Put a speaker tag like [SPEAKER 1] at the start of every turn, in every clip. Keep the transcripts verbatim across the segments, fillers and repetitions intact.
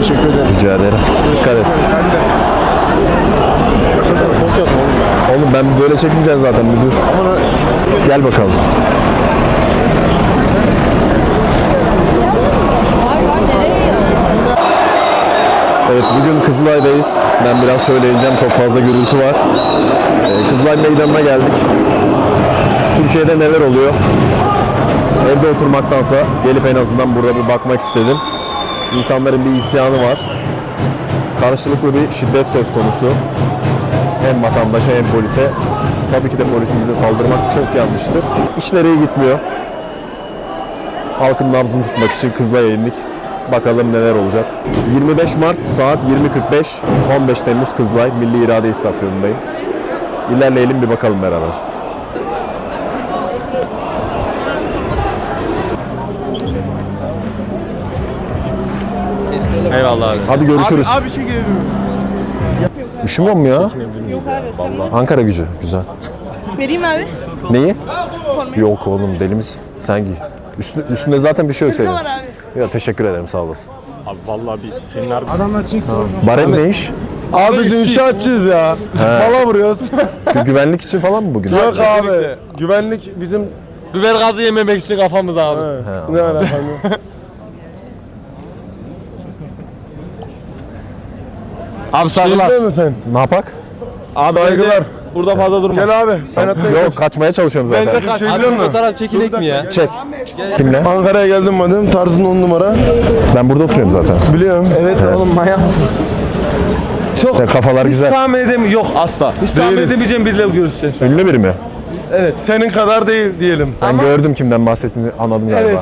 [SPEAKER 1] Teşekkür ederim.
[SPEAKER 2] Rica ederim. Dikkat et.
[SPEAKER 1] Sen de. Çok yakın oğlum ya.
[SPEAKER 2] Oğlum ben böyle çekmeyeceğim zaten, bir dur. Gel bakalım. Evet, bugün Kızılay'dayız. Ben biraz söyleyeceğim, çok fazla gürültü var. Ee, Kızılay Meydanı'na geldik. Türkiye'de neler oluyor? Evde oturmaktansa gelip en azından burada bir bakmak istedim. İnsanların bir isyanı var. Karşılıklı bir şiddet söz konusu. Hem vatandaşa hem polise. Tabii ki de polisimize saldırmak çok yanlıştır. İşler iyi gitmiyor. Halkın nabzını tutmak için Kızılay'a indik. Bakalım neler olacak. yirmi beş Mart saat yirmi kırk beş, on beş Temmuz Kızılay Milli İrade İstasyonu'ndayım. İlerleyelim, bir bakalım beraber.
[SPEAKER 3] Eyvallah abi.
[SPEAKER 2] Hadi görüşürüz.
[SPEAKER 1] Abi, abi şey gelelim.
[SPEAKER 2] Üşümüyor mu ya?
[SPEAKER 4] Yok abi.
[SPEAKER 2] Ankara gücü, güzel.
[SPEAKER 4] Vereyim abi.
[SPEAKER 2] Neyi?
[SPEAKER 4] Formayı.
[SPEAKER 2] Yok oğlum, deli misin? Sen giy. Üstünde, üstünde zaten bir şey yok
[SPEAKER 4] Ne
[SPEAKER 2] senin.
[SPEAKER 4] var abi?
[SPEAKER 2] Ya teşekkür ederim, sağ olasın.
[SPEAKER 1] Abi vallahi bir senin harbi. Adamlar çıktı.
[SPEAKER 2] Barem ne iş?
[SPEAKER 5] Abi biz inşaatçıyız ya. Mala vuruyoruz.
[SPEAKER 2] Gü- Güvenlik için falan mı bugün?
[SPEAKER 5] Yok abi. Güvenlik bizim...
[SPEAKER 3] Biber gazı yememek için kafamız abi.
[SPEAKER 5] He, ne alakam yok.
[SPEAKER 3] Abi saygılar.
[SPEAKER 5] Değil mi sen?
[SPEAKER 2] Ne yapak?
[SPEAKER 3] Abi
[SPEAKER 5] Saygılar.
[SPEAKER 3] evde burada fazla durma.
[SPEAKER 5] Gel abi. Ben atlayayım.
[SPEAKER 2] Yok, kaçmaya çalışıyorum
[SPEAKER 3] Ben
[SPEAKER 2] zaten.
[SPEAKER 3] de kaç.
[SPEAKER 5] Şey
[SPEAKER 3] Abi
[SPEAKER 5] biliyor musun?
[SPEAKER 3] fotoğraf çekilek mi ya?
[SPEAKER 2] Çek. Kimle?
[SPEAKER 5] Ankara'ya geldim madem. Tarzın on numara.
[SPEAKER 2] Ben burada oturuyorum zaten.
[SPEAKER 5] Biliyorum.
[SPEAKER 3] Evet oğlum manyak. Çok
[SPEAKER 2] Sen kafalar
[SPEAKER 3] hiç
[SPEAKER 2] güzel.
[SPEAKER 3] tahmin edemiyorum. Yok asla. Hiç tahmin
[SPEAKER 5] Değiliz.
[SPEAKER 3] edemeyeceğim biriyle görüşeceğiz.
[SPEAKER 2] Ünlü biri mi?
[SPEAKER 5] Senin kadar değil diyelim.
[SPEAKER 2] Ben gördüm kimden bahsettiğini, anladım galiba.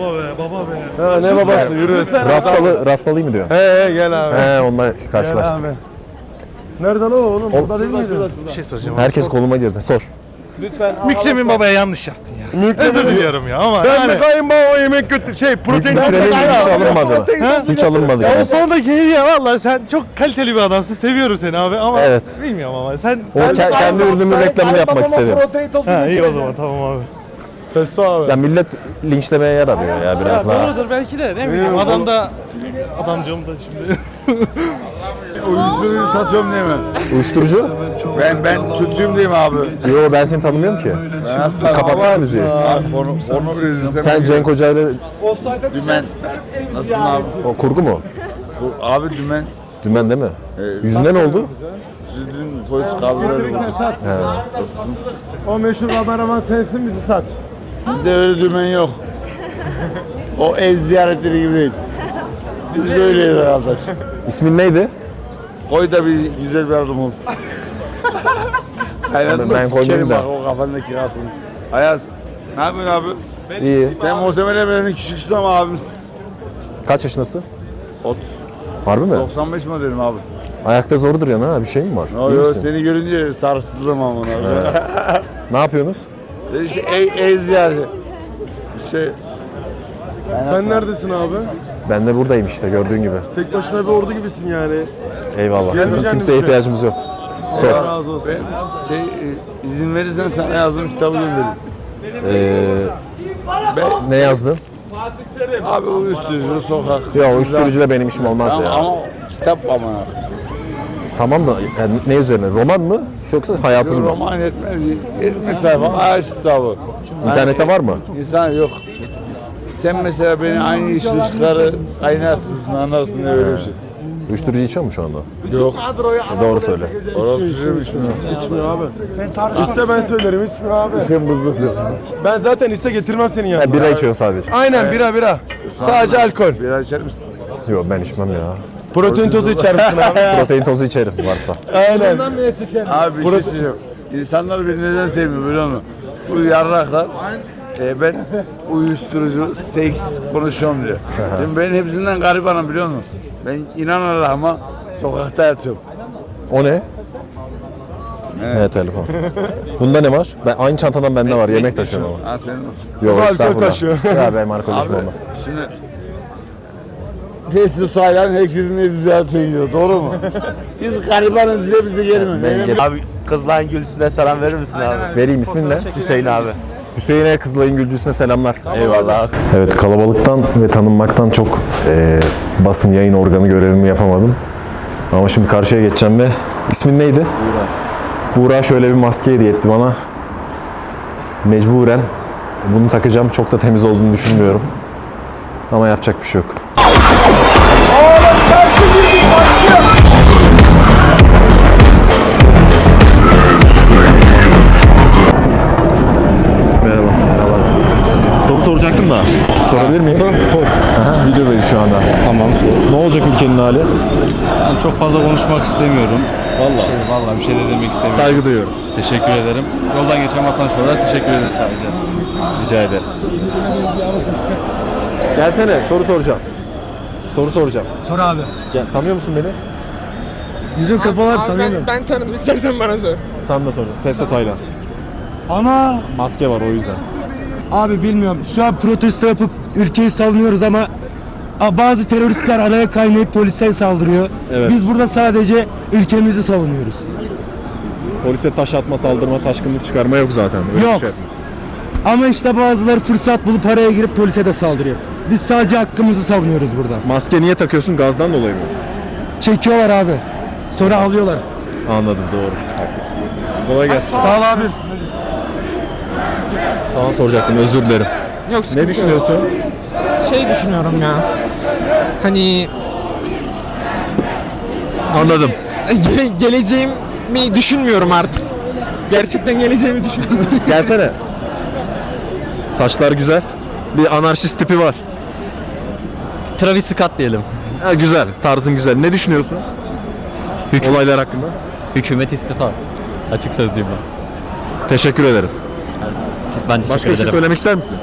[SPEAKER 5] Ha, ne babası yürü.
[SPEAKER 2] Rastalı, rastalıyım mı diyor?
[SPEAKER 5] He he gel abi.
[SPEAKER 2] He, onunla
[SPEAKER 5] Gel
[SPEAKER 2] karşılaştık.
[SPEAKER 5] abi. Nereden o oğlum? Burada değil miydi?
[SPEAKER 2] Herkes koluma girdi. Sor.
[SPEAKER 1] Mükremin babaya yanlış yaptın ya. Özür diliyorum ya ama
[SPEAKER 5] Ben
[SPEAKER 1] yani.
[SPEAKER 5] mi kayınbaba yemek götür şey protein
[SPEAKER 2] Mükremin hiç alınmadı. Hiç alınmadı.
[SPEAKER 1] Ya o
[SPEAKER 2] yani.
[SPEAKER 1] sondaki hediye valla sen çok kaliteli bir adamsın. Seviyorum seni abi ama
[SPEAKER 2] Evet.
[SPEAKER 1] bilmiyorum ama sen...
[SPEAKER 2] O ke- kendi ürünümün reklamını yapmak istedim.
[SPEAKER 1] Ha iyi o zaman tamam abi.
[SPEAKER 5] Testo abi.
[SPEAKER 2] Ya millet linçlemeye yer arıyor ya biraz
[SPEAKER 1] Ya
[SPEAKER 2] daha.
[SPEAKER 1] doğrudur belki de ne bileyim adam da... Adamcığım da şimdi...
[SPEAKER 6] Uyuşturucu satıyorum değil mi?
[SPEAKER 2] Uyuşturucu?
[SPEAKER 6] Ben ben çocuğum değil mi abi?
[SPEAKER 2] Yo, ben seni tanımıyorum ki.
[SPEAKER 6] Ben asla
[SPEAKER 2] Kapatsana müziği.
[SPEAKER 6] Abi onu onu izlesem.
[SPEAKER 2] Sen Cenk Hoca ile
[SPEAKER 6] Dümen. Nasılsın abi?
[SPEAKER 2] o kurgu mu?
[SPEAKER 6] Bu- Abi dümen.
[SPEAKER 2] Dümen değil mi?
[SPEAKER 6] Evet.
[SPEAKER 2] Yüzüne ne oldu?
[SPEAKER 6] Sizi dün polis kaldırdı. Nasılsın?
[SPEAKER 5] O meşhur kameraman sensin, bizi sat.
[SPEAKER 6] Bizde öyle dümen yok. O ev ziyaretleri gibi değil. Biz böyleyiz arkadaş.
[SPEAKER 2] İsmin neydi?
[SPEAKER 6] Koy da bir güzel bir adım olsun. Aynen
[SPEAKER 2] Ben
[SPEAKER 6] ben
[SPEAKER 2] koymayayım da.
[SPEAKER 6] bak o kafandaki kirasını. Ayaz. Ne yapıyorsun abi?
[SPEAKER 2] İyi.
[SPEAKER 6] Sen muhtemelen benim küçüksün ama abimsin.
[SPEAKER 2] Kaç yaşındasın?
[SPEAKER 6] Ot.
[SPEAKER 2] Harbi mi?
[SPEAKER 6] doksan beş modelim abi.
[SPEAKER 2] Ayakta zor duruyorsun ha, bir şey mi var?
[SPEAKER 6] Yo,
[SPEAKER 2] İyi
[SPEAKER 6] yo,
[SPEAKER 2] misin?
[SPEAKER 6] seni görünce sarsıldım ama abi.
[SPEAKER 2] Ne yapıyorsunuz?
[SPEAKER 6] şey, ev, ev ziyareti. Bir şey.
[SPEAKER 5] Sen neredesin abi?
[SPEAKER 2] Ben de buradayım işte, gördüğün gibi.
[SPEAKER 5] Tek başına bir ordu gibisin yani.
[SPEAKER 2] Eyvallah. Bizim
[SPEAKER 5] Gelmeyeceğim
[SPEAKER 2] kimseye
[SPEAKER 5] bize.
[SPEAKER 2] ihtiyacımız yok. Sor.
[SPEAKER 5] Allah razı olsun.
[SPEAKER 6] Ben şey e, izin verirsen sana yazdığım kitabı gönderirim.
[SPEAKER 2] Ee,
[SPEAKER 6] Ben,
[SPEAKER 2] ne yazdın?
[SPEAKER 6] abi uyuşturucu, sokak.
[SPEAKER 2] Ya uyuşturucuyla benim işim olmaz
[SPEAKER 6] Ama,
[SPEAKER 2] ya.
[SPEAKER 6] ama kitap ama.
[SPEAKER 2] Tamam da yani ne üzerine? Roman mı? Yoksa hayatın mı?
[SPEAKER 6] Roman yetmez. yetmiş sayfa ağaç kitabı.
[SPEAKER 2] İnternette var mı?
[SPEAKER 6] İnsan yok. Sen mesela beni aynı işleri kaynarsın, anlarsın diye öyle bir şey.
[SPEAKER 2] Uyuşturucu içiyor mu şu anda?
[SPEAKER 6] Yok.
[SPEAKER 2] Doğru söyle.
[SPEAKER 6] Orası içmiyor.
[SPEAKER 5] İçmiyor abi. İste ben söylerim, içmiyor abi.
[SPEAKER 6] Sen buzluk yok.
[SPEAKER 5] Ben zaten iste getirmem senin
[SPEAKER 2] Ha,
[SPEAKER 5] yanına.
[SPEAKER 2] bira içiyor sadece.
[SPEAKER 5] Aynen bira bira. Sadece alkol.
[SPEAKER 6] Bira içer misin?
[SPEAKER 2] Yok, ben içmem ya.
[SPEAKER 5] Protein tozu içer misin abi?
[SPEAKER 2] Protein tozu içerim varsa.
[SPEAKER 5] Aynen.
[SPEAKER 6] Abi bir şey söyleyeceğim. İnsanlar beni neden sevmiyor biliyor musun? Bu yarraklar e, ben uyuşturucu, seks konuşuyorum diyor. Şimdi ben hepsinden garibanım biliyor musun? Ben inan Allah'ıma sokakta yatıyorum.
[SPEAKER 2] O ne? Evet, telefon. Bunda ne var? Ben aynı çantadan bende var. Yemek taşıyorum ama.
[SPEAKER 6] Ha senin olsun.
[SPEAKER 2] Yok,
[SPEAKER 5] alkol
[SPEAKER 2] estağfurullah.
[SPEAKER 5] taşıyor.
[SPEAKER 2] Ya benim arkadaşım
[SPEAKER 6] Abi
[SPEAKER 2] olma.
[SPEAKER 6] şimdi tesis aylan herkesin evi ziyaretine gidiyor. Doğru mu? Biz garibanız diye bize gelmiyor.
[SPEAKER 2] Ben
[SPEAKER 6] Ne-
[SPEAKER 2] gel-
[SPEAKER 3] Abi Kızılay'ın gülsüne selam verir misin abi?
[SPEAKER 2] Vereyim, ismin ne?
[SPEAKER 3] Hüseyin abi.
[SPEAKER 2] Hüseyin'e, Kızılay'ın Gülcüsü'ne selamlar. Eyvallah. Evet, kalabalıktan ve tanınmaktan çok e, basın yayın organı görevimi yapamadım. Ama şimdi karşıya geçeceğim ve ismin neydi? Buğra. Buğra şöyle bir maske hediye etti bana. Mecburen bunu takacağım. Çok da temiz olduğunu düşünmüyorum. Ama yapacak bir şey yok. Merhaba. Merhaba. Soru soracaktım da. Sorabilir miyim? Sor. Aha, videodayız şu anda.
[SPEAKER 3] Tamam.
[SPEAKER 2] Ne olacak ülkenin hali?
[SPEAKER 7] Ben çok fazla konuşmak istemiyorum.
[SPEAKER 2] Vallahi.
[SPEAKER 7] Şey, vallahi bir şey de demek istemiyorum.
[SPEAKER 2] Saygı duyuyorum.
[SPEAKER 7] Teşekkür ederim. Yoldan geçen vatandaş olarak teşekkür ederim sadece.
[SPEAKER 2] Rica ederim. Gelsene, soru soracağım. Soru soracağım.
[SPEAKER 3] Sor abi.
[SPEAKER 2] Gel, tanıyor musun beni?
[SPEAKER 3] Yüzün kapalı tanıyorum.
[SPEAKER 8] Ben tanıdım. İstersen bana sor.
[SPEAKER 2] Sen de sor. Testo Taylan.
[SPEAKER 3] Ana.
[SPEAKER 2] Maske var o yüzden.
[SPEAKER 3] Abi bilmiyorum. Şu an protesto yapıp ülkeyi savunuyoruz ama a, bazı teröristler araya kaynayıp polise saldırıyor.
[SPEAKER 2] Evet.
[SPEAKER 3] Biz burada sadece ülkemizi savunuyoruz.
[SPEAKER 2] Polise taş atma, saldırma, taşkınlık çıkarma yok zaten. Öyle
[SPEAKER 3] Yok.
[SPEAKER 2] bir şey yapmıyorsun.
[SPEAKER 3] Ama işte bazıları fırsat bulup araya girip polise de saldırıyor. Biz sadece hakkımızı savunuyoruz burada.
[SPEAKER 2] Maske niye takıyorsun? Gazdan dolayı mı?
[SPEAKER 3] Çekiyorlar abi. Sonra alıyorlar.
[SPEAKER 2] Anladım, doğru. Haklısın. Kolay gelsin.
[SPEAKER 3] Sağ ol abi.
[SPEAKER 2] Sana soracaktım, özür dilerim.
[SPEAKER 8] Yok
[SPEAKER 2] Ne düşünüyorsun?
[SPEAKER 8] Şey düşünüyorum ya. Hani
[SPEAKER 2] Anladım.
[SPEAKER 8] ge- geleceğimi düşünmüyorum artık. Gerçekten geleceğimi düşünmüyorum.
[SPEAKER 2] Gelsene. Saçlar güzel. Bir anarşist tipi var.
[SPEAKER 9] Travis Scott diyelim.
[SPEAKER 2] Ha, güzel, tarzın güzel. Ne düşünüyorsun? Olaylar hakkında.
[SPEAKER 9] Hükümet istifa. Açık sözlüyüm ben.
[SPEAKER 2] Teşekkür ederim.
[SPEAKER 9] Ben teşekkür
[SPEAKER 2] Başka bir şey
[SPEAKER 9] ederim.
[SPEAKER 2] söylemek ister misin?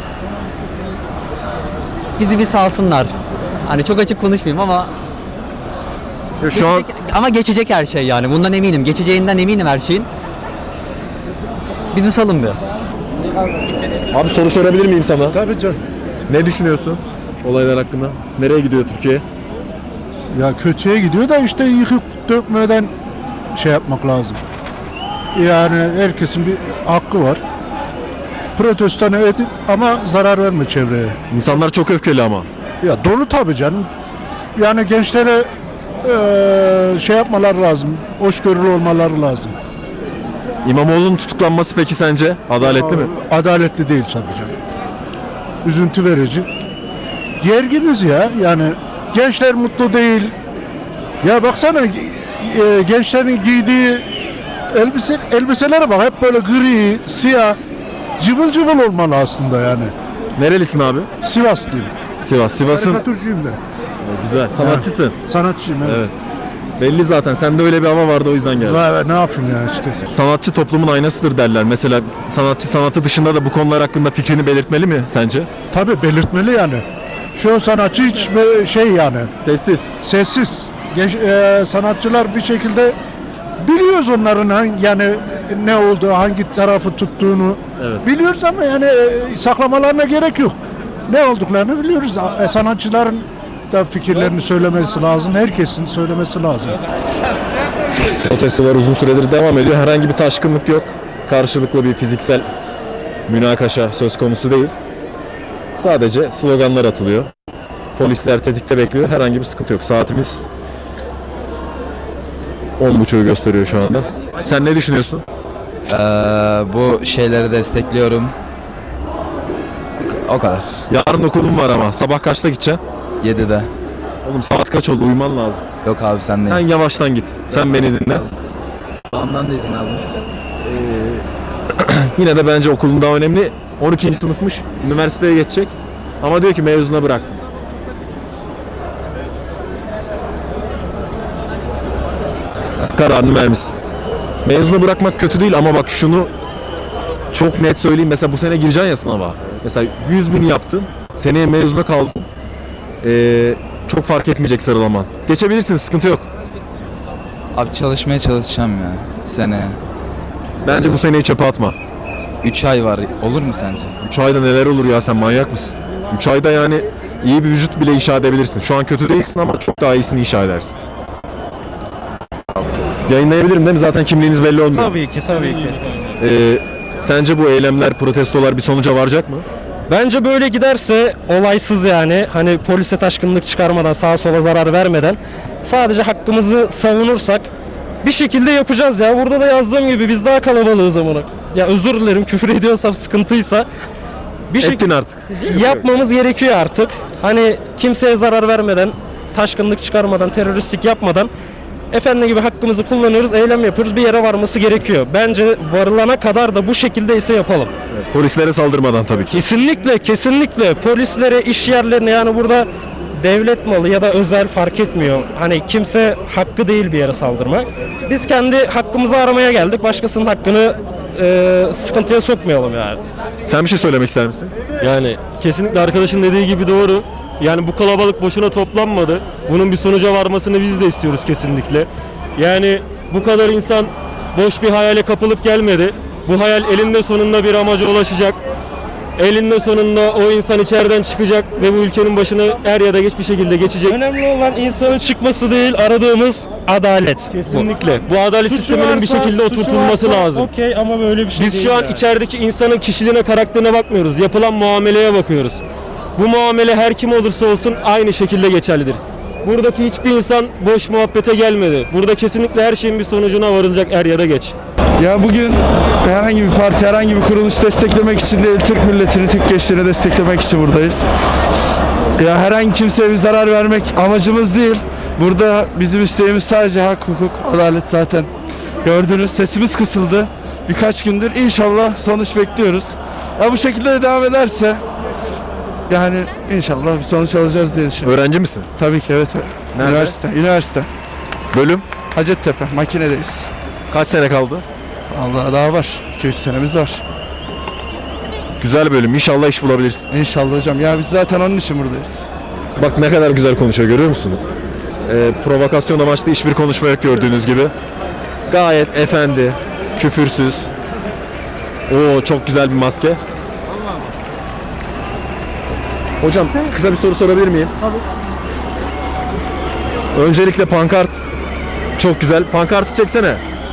[SPEAKER 9] Bizi bir salsınlar. Hani çok açık konuşmayayım ama
[SPEAKER 2] Şu an
[SPEAKER 9] ama geçecek her şey yani. Bundan eminim. Geçeceğinden eminim her şeyin. Bizi salın bir.
[SPEAKER 2] abi soru sorabilir miyim sana?
[SPEAKER 5] Tabii canım.
[SPEAKER 2] Ne düşünüyorsun olaylar hakkında? Nereye gidiyor Türkiye?
[SPEAKER 5] Ya kötüye gidiyor da işte yıkıp dökmeden şey yapmak lazım. Yani herkesin bir hakkı var. Protestonu edip ama zarar verme çevreye.
[SPEAKER 2] İnsanlar çok öfkeli ama.
[SPEAKER 5] Ya dolu tabii canım. Yani gençlere eee, şey yapmalar lazım. Hoşgörülü olmaları lazım.
[SPEAKER 2] İmamoğlu'nun tutuklanması peki sence adaletli mi?
[SPEAKER 5] Adaletli değil tabii canım. Üzüntü verici. Gerginiz ya. Yani gençler mutlu değil. Ya baksana e, gençlerin giydiği elbise elbiselere bak, hep böyle gri, siyah, cıvıl cıvıl olmalı aslında yani.
[SPEAKER 2] Nerelisin abi?
[SPEAKER 5] Sivaslıyım.
[SPEAKER 2] Sivas. Sivas'ın
[SPEAKER 5] Karikatürcüyüm ben.
[SPEAKER 2] güzel. Sanatçısın.
[SPEAKER 5] Sanatçıyım evet.
[SPEAKER 2] Evet. Belli zaten. Sende öyle bir hava vardı, o yüzden geldim.
[SPEAKER 5] Vay be, ne yapayım ya işte.
[SPEAKER 2] Sanatçı toplumun aynasıdır derler. Mesela sanatçı sanatı dışında da bu konular hakkında fikrini belirtmeli mi sence?
[SPEAKER 5] Tabii belirtmeli yani. Şu sanatçı hiç böyle şey yani
[SPEAKER 2] Sessiz.
[SPEAKER 5] sessiz. Genç, e, sanatçılar bir şekilde biliyoruz onların hangi, yani ne olduğu, hangi tarafı tuttuğunu
[SPEAKER 2] Evet.
[SPEAKER 5] biliyoruz ama yani e, saklamalarına gerek yok. Ne olduklarını biliyoruz. E, sanatçıların da fikirlerini söylemesi lazım. Herkesin söylemesi lazım.
[SPEAKER 2] Protestolar uzun süredir devam ediyor. Herhangi bir taşkınlık yok. Karşılıklı bir fiziksel münakaşa söz konusu değil. Sadece sloganlar atılıyor. Polisler tetikte bekliyor. Herhangi bir sıkıntı yok. Saatimiz on buçuğu gösteriyor şu anda. Sen ne düşünüyorsun?
[SPEAKER 10] Ee, bu şeyleri destekliyorum. O kadar.
[SPEAKER 2] Yarın okulum var ama. Sabah kaçta gideceksin?
[SPEAKER 10] yedide.
[SPEAKER 2] Oğlum saat kaç oldu? Uyuman lazım.
[SPEAKER 10] Yok abi sen de.
[SPEAKER 2] Sen yavaştan git. Sen beni dinle.
[SPEAKER 10] Ondan da izin aldım.
[SPEAKER 2] Yine de bence okulun daha önemli. on ikinci sınıfmış. Üniversiteye geçecek. Ama diyor ki mezuna bıraktım. Kararını vermişsin. Mezunu bırakmak kötü değil ama bak şunu çok net söyleyeyim. Mesela bu sene gireceksin ya sınava. Mesela yüz bin yaptın. Seneye mezuna kaldın. Ee, çok fark etmeyecek sıralaman. Geçebilirsin, sıkıntı yok.
[SPEAKER 10] Abi çalışmaya çalışacağım ya seneye.
[SPEAKER 2] Bence bu seneyi çöpe atma.
[SPEAKER 10] üç ay var. Olur mu sence?
[SPEAKER 2] üç ayda neler olur ya, sen manyak mısın? üç ayda yani iyi bir vücut bile inşa edebilirsin. Şu an kötü değilsin ama çok daha iyisini inşa edersin. Yayınlayabilirim değil mi? Zaten kimliğiniz belli olmuyor.
[SPEAKER 3] Tabii ki, tabii ki.
[SPEAKER 2] Ee, Sence bu eylemler, protestolar bir sonuca varacak mı?
[SPEAKER 3] Bence böyle giderse olaysız yani hani polise taşkınlık çıkarmadan sağa sola zarar vermeden sadece hakkımızı savunursak bir şekilde yapacağız ya. Burada da yazdığım gibi biz daha kalabalığız amına. Ya özür dilerim küfür ediyorsam sıkıntıysa bir
[SPEAKER 2] Ettin
[SPEAKER 3] şekilde
[SPEAKER 2] artık.
[SPEAKER 3] yapmamız gerekiyor artık. Hani kimseye zarar vermeden, taşkınlık çıkarmadan, teröristlik yapmadan efendi gibi hakkımızı kullanıyoruz, eylem yapıyoruz. Bir yere varması gerekiyor. Bence varılana kadar da bu şekilde ise yapalım.
[SPEAKER 2] Polislere saldırmadan tabii ki.
[SPEAKER 3] Kesinlikle, kesinlikle polislere, iş yerlerine yani burada devlet malı ya da özel fark etmiyor. Hani kimse hakkı değil bir yere saldırmak. Biz kendi hakkımızı aramaya geldik. Başkasının hakkını e, sıkıntıya sokmayalım yani.
[SPEAKER 2] Sen bir şey söylemek ister misin?
[SPEAKER 3] Yani kesinlikle arkadaşın dediği gibi doğru. Yani bu kalabalık boşuna toplanmadı. Bunun bir sonuca varmasını biz de istiyoruz kesinlikle. Yani bu kadar insan boş bir hayale kapılıp gelmedi. Bu hayal elinde sonunda bir amaca ulaşacak. Elinde sonunda o insan içeriden çıkacak ve bu ülkenin başına er ya da geç bir şekilde geçecek. Önemli olan insanın çıkması değil, aradığımız adalet. Kesinlikle. Bu adalet sisteminin bir şekilde oturtulması lazım. Okey ama böyle bir şey Biz şu an yani. içerideki insanın kişiliğine, karakterine bakmıyoruz. Yapılan muameleye bakıyoruz. Bu muamele her kim olursa olsun aynı şekilde geçerlidir. Buradaki hiçbir insan boş muhabbete gelmedi. Burada kesinlikle her şeyin bir sonucuna varılacak er ya da geç.
[SPEAKER 11] Ya bugün herhangi bir parti, herhangi bir kuruluş desteklemek için değil, Türk milletini, Türk gençlerini desteklemek için buradayız. Ya herhangi kimseye bir zarar vermek amacımız değil. Burada bizim isteğimiz sadece hak, hukuk, adalet zaten. Gördünüz, sesimiz kısıldı. Birkaç gündür inşallah sonuç bekliyoruz. Ya bu şekilde de devam ederse yani inşallah bir sonuç alacağız diye düşünüyorum.
[SPEAKER 2] Öğrenci misin?
[SPEAKER 11] Tabii ki evet.
[SPEAKER 2] Nerede?
[SPEAKER 11] Üniversite, üniversite.
[SPEAKER 2] Bölüm?
[SPEAKER 11] Hacettepe, makinedeyiz.
[SPEAKER 2] Kaç sene kaldı?
[SPEAKER 11] Allah daha var. iki üç senemiz var.
[SPEAKER 2] Güzel bölüm. İnşallah iş bulabilirsin.
[SPEAKER 11] İnşallah hocam. Ya biz zaten onun için buradayız.
[SPEAKER 2] Bak ne kadar güzel konuşuyor, görüyor musun? Ee, provokasyon amaçlı hiçbir konuşma yok gördüğünüz gibi. Gayet efendi, küfürsüz. Oo çok güzel bir maske. Hocam kısa bir soru sorabilir miyim? Tabii. Öncelikle pankart çok güzel. Pankartı çeksene.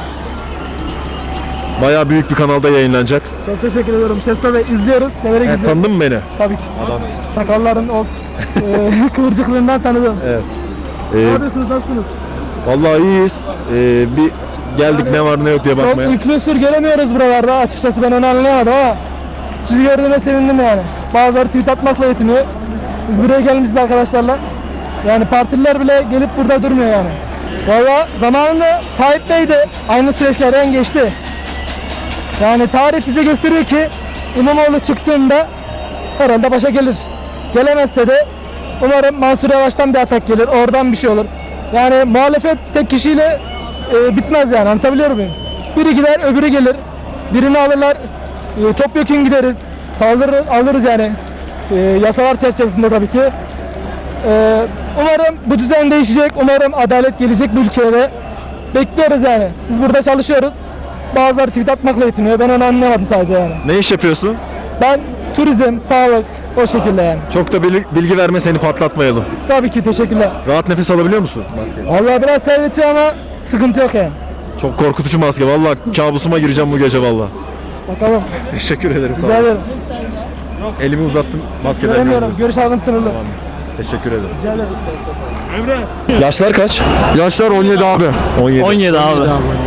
[SPEAKER 2] Bayağı büyük bir kanalda yayınlanacak.
[SPEAKER 3] Çok teşekkür ediyorum. Sesle ve izliyoruz. Severek
[SPEAKER 2] Evet, tanıdın mı beni?
[SPEAKER 3] Tabii ki.
[SPEAKER 2] Adamsın.
[SPEAKER 3] Sakalların o e, kıvırcıklığından tanıdım.
[SPEAKER 2] Evet.
[SPEAKER 3] Ne
[SPEAKER 2] Ee,
[SPEAKER 3] yapıyorsunuz? Nasılsınız?
[SPEAKER 2] vallahi iyiyiz. Ee, bir geldik ne var ne yok diye
[SPEAKER 3] Çok
[SPEAKER 2] bakmaya.
[SPEAKER 3] influencer göremiyoruz buralarda. Açıkçası ben onu anlayamadım ama sizi gördüğüme sevindim yani. Bazıları tweet atmakla yetiniyor. Biz buraya gelmişiz arkadaşlarla. Yani partililer bile gelip burada durmuyor yani. Valla zamanında Tayyip Bey de aynı süreçlerden geçti. Yani tarih bize gösteriyor ki İmamoğlu çıktığında herhalde başa gelir. Gelemezse de umarım Mansur Yavaş'tan bir atak gelir. Oradan bir şey olur. Yani muhalefet tek kişiyle e, bitmez yani, anlatabiliyor muyum? Biri gider öbürü gelir. Birini alırlar. E, topyekun gideriz. Saldırır alırız yani. E, yasalar çerçevesinde tabii ki. E, umarım bu düzen değişecek. Umarım adalet gelecek bu ülkeye de. Bekliyoruz yani. Biz burada çalışıyoruz. Bazıları tweet atmakla yetiniyor. Ben onu anlayamadım sadece yani.
[SPEAKER 2] Ne iş yapıyorsun?
[SPEAKER 3] Ben turizm, sağlık o şekilde yani.
[SPEAKER 2] Çok da bilgi, bilgi verme, seni patlatmayalım.
[SPEAKER 3] Tabii ki, teşekkürler.
[SPEAKER 2] Rahat nefes alabiliyor musun? Maske.
[SPEAKER 3] Vallahi biraz terletiyor ama sıkıntı yok yani.
[SPEAKER 2] Çok korkutucu maske. Vallahi kabusuma gireceğim bu gece vallahi.
[SPEAKER 3] Bakalım.
[SPEAKER 2] Teşekkür ederim. Sağ
[SPEAKER 3] Rica
[SPEAKER 2] olasın.
[SPEAKER 3] ederim.
[SPEAKER 2] Elimi uzattım. Maskeden
[SPEAKER 3] Göremiyorum.
[SPEAKER 2] görmüyoruz.
[SPEAKER 3] Görüş aldım sınırlı.
[SPEAKER 2] Teşekkür ederim.
[SPEAKER 3] Rica ederim.
[SPEAKER 2] Yaşlar kaç?
[SPEAKER 11] Yaşlar on yedi abi.
[SPEAKER 2] on yedi.
[SPEAKER 9] on yedi abi.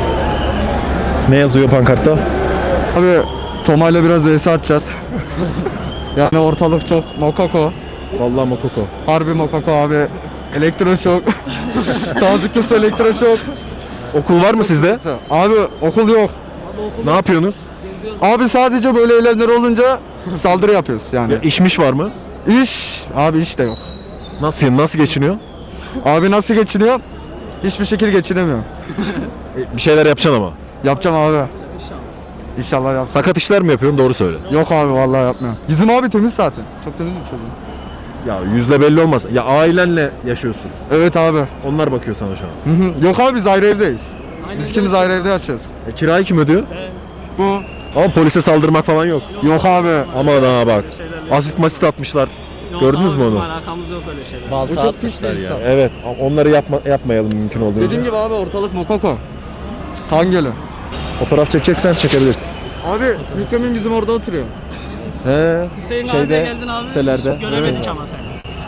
[SPEAKER 2] Ne yazıyor pankartta?
[SPEAKER 11] Abi Toma'yla biraz vs atacağız. Yani ortalık çok mokoko.
[SPEAKER 2] Vallahi mokoko.
[SPEAKER 11] Harbi mokoko abi. Elektroşok. Tazıklısı elektroşok.
[SPEAKER 2] Okul var mı sizde?
[SPEAKER 11] Abi okul yok.
[SPEAKER 2] Ne yapıyorsunuz?
[SPEAKER 11] Abi sadece böyle eylemler olunca saldırı yapıyoruz yani.
[SPEAKER 2] Ya işmiş var mı?
[SPEAKER 11] İş. Abi iş de yok.
[SPEAKER 2] Nasıl nasıl geçiniyor?
[SPEAKER 11] Abi nasıl geçiniyor? Hiçbir şekilde geçinemiyor.
[SPEAKER 2] E, bir şeyler yapacaksın ama.
[SPEAKER 11] Yapacağım abi. İnşallah yapacağım.
[SPEAKER 2] Sakat işler mi yapıyorsun? Doğru söyle.
[SPEAKER 11] Yok abi vallahi yapmıyorum. Bizim abi temiz zaten. Çok temiz bir çocuğuz.
[SPEAKER 2] Ya yüzde belli olmaz. Ya ailenle yaşıyorsun.
[SPEAKER 11] Evet abi.
[SPEAKER 2] Onlar bakıyor sana şu an.
[SPEAKER 11] Hı hı. Yok abi biz ayrı evdeyiz. Biz ikimiz ayrı evde yaşıyoruz.
[SPEAKER 2] E, kirayı kim ödüyor?
[SPEAKER 11] Bu.
[SPEAKER 2] Ama polise saldırmak falan yok.
[SPEAKER 11] Yok abi.
[SPEAKER 2] Aman ha bak. Asit masit atmışlar. Gördünüz mü onu?
[SPEAKER 9] Alakamız yok öyle şeyler.
[SPEAKER 11] Bu çok pis ya.
[SPEAKER 2] Evet. Onları yapma, yapmayalım mümkün olduğunca.
[SPEAKER 11] Dediğim gibi abi ortalık mokoko. Kan gölü.
[SPEAKER 2] Fotoğraf çekeceksen çekebilirsin.
[SPEAKER 11] Abi Mükremin bizim orada oturuyor.
[SPEAKER 2] He.
[SPEAKER 3] Hüseyin
[SPEAKER 2] Şeyde,
[SPEAKER 3] Gazi'ye geldin abi.
[SPEAKER 2] sitelerde.
[SPEAKER 3] Göremedik ama seni.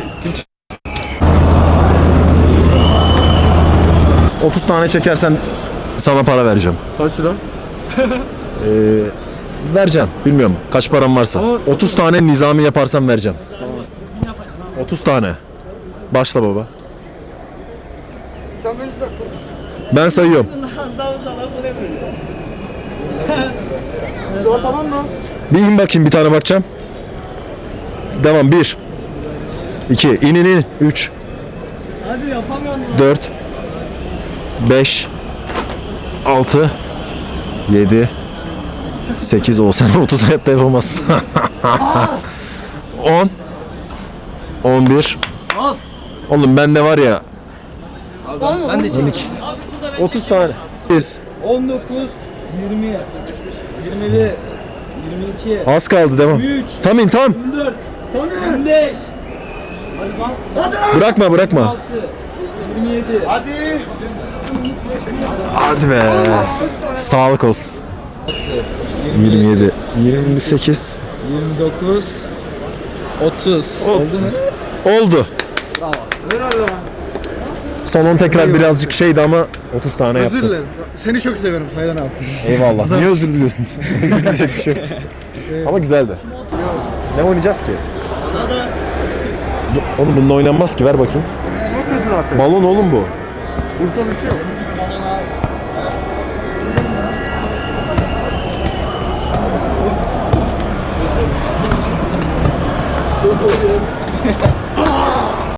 [SPEAKER 2] otuz tane çekersen sana para vereceğim.
[SPEAKER 11] Kaç lira?
[SPEAKER 2] Ee, vereceğim. Bilmiyorum kaç param varsa. otuz tane nizami yaparsam vereceğim. otuz tane. Başla baba. Ben sayıyorum.
[SPEAKER 11] Tamam mı?
[SPEAKER 2] Bir in bakayım, bir tane bakacağım. Devam. Bir. iki. İn in in. Üç.
[SPEAKER 3] Hadi yapamıyorum.
[SPEAKER 2] Dört. Beş. Altı. Yedi. Sekiz. O sen otuz hayatta yapamazsın. On. On bir. Oğlum bende var ya.
[SPEAKER 10] Ben de çekeyim.
[SPEAKER 2] otuz tane. Biz.
[SPEAKER 3] on dokuz, yirmi, yirmi bir, yirmi iki,
[SPEAKER 2] Az kaldı, devam. Tam in tam.
[SPEAKER 3] yirmi dört, yirmi beş,
[SPEAKER 2] Bırakma bırakma.
[SPEAKER 3] yirmi yedi.
[SPEAKER 2] Hadi be. Sağlık olsun. yirmi yedi. yirmi sekiz.
[SPEAKER 3] yirmi dokuz, otuz. Oldu mu?
[SPEAKER 2] Oldu. Son on tekrar birazcık şeydi ama otuz tane yaptı.
[SPEAKER 11] Özür dilerim. Seni çok severim Taylan abi.
[SPEAKER 2] Eyvallah. Niye özür diliyorsun? Özür dileyecek bir şey yok. Ama güzeldi. Ne oynayacağız ki? Bu- Oğlum bununla oynanmaz ki, ver bakayım.
[SPEAKER 11] Çok kötü zaten.
[SPEAKER 2] Balon oğlum bu.
[SPEAKER 11] Vursan uçuyor.